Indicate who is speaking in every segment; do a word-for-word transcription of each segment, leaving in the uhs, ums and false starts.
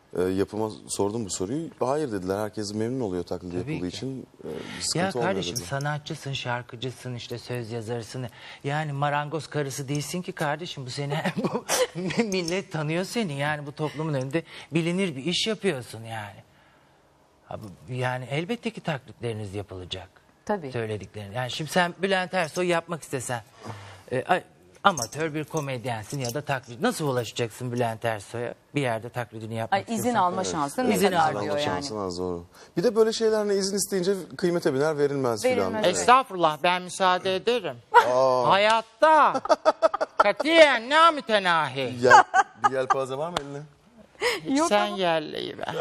Speaker 1: e, yapıma sordum bu soruyu. Hayır dediler. Herkes memnun oluyor taklit
Speaker 2: Tabii
Speaker 1: yapıldığı
Speaker 2: ki.
Speaker 1: için. E, bir sıkıntı
Speaker 2: Ya
Speaker 1: olmuyor
Speaker 2: kardeşim
Speaker 1: dediler.
Speaker 2: sanatçısın, şarkıcısın, işte söz yazarısın. Yani marangoz karısı değilsin ki kardeşim. Bu seni bu millet tanıyor seni. Yani bu toplumun önünde bilinir bir iş yapıyorsun yani. Ha, bu- Yani elbette ki taklitleriniz yapılacak.
Speaker 3: Tabii.
Speaker 2: Söylediklerin. Yani şimdi sen Bülent Ersoy yapmak istesen e, a- amatör bir komedyensin ya da taklit. Nasıl ulaşacaksın Bülent Ersoy'a? Bir yerde taklidini yapmak
Speaker 3: Ay, izin
Speaker 2: istiyorsan.
Speaker 3: alma şansın ne
Speaker 2: İzin
Speaker 3: kadar
Speaker 2: alma
Speaker 3: diyor yani.
Speaker 1: Şansın az doğru. Bir de böyle şeylerle izin isteyince kıymete biner verilmez,
Speaker 3: Verilmez,
Speaker 1: filan.
Speaker 3: evet.
Speaker 2: Estağfurullah ben müsaade ederim. Hayatta katiyen ne mütenahi.
Speaker 1: Yel, bir yelpaze var mı eline?
Speaker 3: Yok
Speaker 2: Sen
Speaker 3: ama-
Speaker 2: yerleyiver.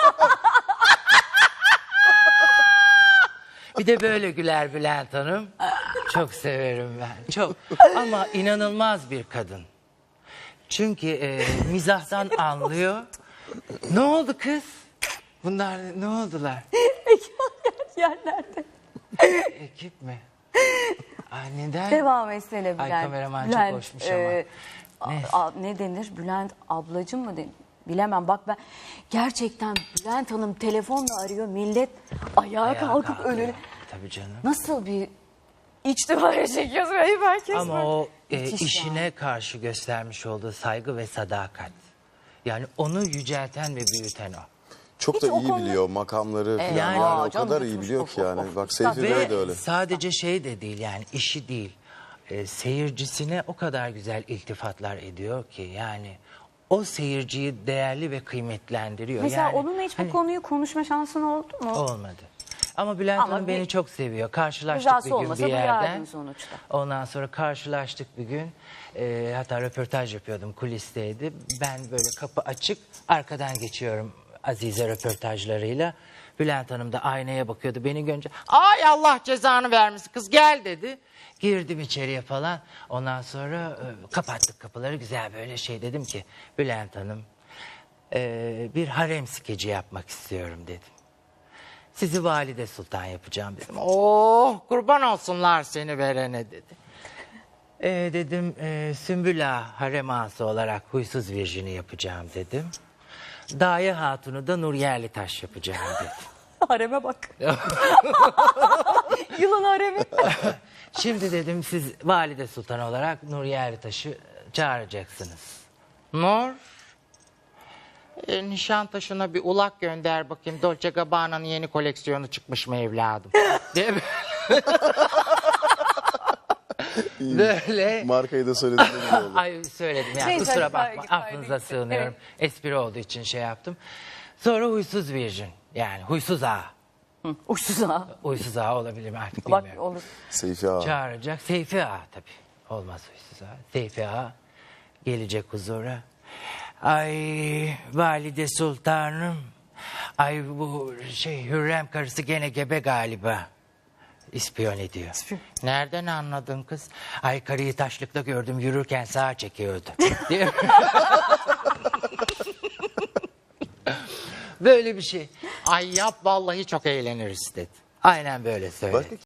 Speaker 2: Bir de böyle güler Bülent Hanım. Çok severim ben. Çok. Ama inanılmaz bir kadın. Çünkü e, mizahtan anlıyor. Ne oldu kız? Bunlar ne oldular?
Speaker 3: Yerlerde.
Speaker 2: Ekip mi? Ay neden?
Speaker 3: Devam etsene Bülent.
Speaker 2: Ay, kameraman çok
Speaker 3: Bülent,
Speaker 2: hoşmuş ama.
Speaker 3: e, a-
Speaker 2: Ne?
Speaker 3: a- ne denir? Bülent ablacım mı denir? Bilemem. Bak ben gerçekten Bülent Hanım telefonla arıyor. Millet ayağa,
Speaker 2: Ayağa
Speaker 3: kalkıp
Speaker 2: kalkıyor.
Speaker 3: önüne.
Speaker 2: Tabii canım.
Speaker 3: Nasıl bir içtimaya çekiyorsun? Ayıp herkes
Speaker 2: Ama
Speaker 3: böyle.
Speaker 2: o e,
Speaker 3: Müthiş
Speaker 2: işine
Speaker 3: ya.
Speaker 2: karşı göstermiş olduğu saygı ve sadakat. Yani onu yücelten ve büyüten o.
Speaker 1: Çok
Speaker 3: Hiç
Speaker 1: da
Speaker 3: o
Speaker 1: iyi
Speaker 3: konuda-
Speaker 1: biliyor makamları falan.
Speaker 2: Yani-
Speaker 1: Yani,
Speaker 3: Aa,
Speaker 1: o
Speaker 3: canım
Speaker 1: kadar iyi
Speaker 3: yutmuş,
Speaker 1: biliyor
Speaker 3: of,
Speaker 1: ki
Speaker 3: of,
Speaker 1: yani.
Speaker 3: of.
Speaker 1: Bak
Speaker 3: Üstad
Speaker 1: Seyfi Bey de öyle.
Speaker 2: Ve sadece şey de değil yani işi değil. E, seyircisine o kadar güzel iltifatlar ediyor ki yani o seyirciyi değerli ve kıymetlendiriyor.
Speaker 3: Mesela
Speaker 2: yani,
Speaker 3: onunla hiç bu
Speaker 2: hani
Speaker 3: konuyu konuşma şansın oldu mu?
Speaker 2: olmadı. Ama Bülent
Speaker 3: Ama
Speaker 2: Hanım
Speaker 3: bir-
Speaker 2: beni çok seviyor. Karşılaştık
Speaker 3: Rızası
Speaker 2: bir gün
Speaker 3: olmasa
Speaker 2: bir yerden.
Speaker 3: duyardın sonuçta.
Speaker 2: Ondan sonra karşılaştık bir gün. E, hatta röportaj yapıyordum, kulisteydi. Ben böyle kapı açık, arkadan geçiyorum Azize röportajlarıyla. Bülent Hanım da aynaya bakıyordu. Beni görünce ay Allah cezanı vermesin kız gel dedi. Girdim içeriye falan. Ondan sonra e, kapattık kapıları, güzel böyle şey dedim ki Bülent Hanım e, bir harem skeci yapmak istiyorum dedim. Sizi Valide Sultan yapacağım dedim. Oh kurban olsunlar seni verene dedi. E, dedim e, Sümbül Ağa harem ağası olarak huysuz virjini yapacağım dedim. Daye Hatun'u da Nur Yerlitaş yapacağım dedim.
Speaker 3: Hareme bak. Yılan haremi.
Speaker 2: Şimdi dedim siz Valide Sultan olarak Nur Yerlitaş'ı çağıracaksınız. Nur? E, Nişantaşı'na bir ulak gönder bakayım. Dolce Gabbana'nın yeni koleksiyonu çıkmış mı evladım? Değil mi? Böyle.
Speaker 1: Markayı da söylediğim gibi oldu.
Speaker 2: Ay söyledim ya
Speaker 3: Neyse,
Speaker 2: kusura
Speaker 3: hadi
Speaker 2: bakma
Speaker 3: kaydı,
Speaker 2: affınıza
Speaker 3: kaydı.
Speaker 2: sığınıyorum. Espri olduğu için şey yaptım. Sonra huysuz virjin yani huysuz ağa.
Speaker 3: Uçsuz ha.
Speaker 2: Huysuz ağa olabilir mi artık
Speaker 3: Bak
Speaker 2: bilmiyorum.
Speaker 3: olur.
Speaker 1: Seyfi Ağa.
Speaker 2: Çağıracak Seyfi Ağa tabii. Olmaz huysuz ağa. Seyfi Ağa gelecek huzura. Ay Valide Sultanım. Ay bu şey Hürrem karısı gene gebe galiba. İspiyon ediyor. Nereden anladın kız? Ay karıyı taşlıkta gördüm yürürken sağa çekiyordu. Diye- Böyle bir şey. Ay yap vallahi çok eğleniriz dedi. Aynen böyle söyledi.
Speaker 1: Başka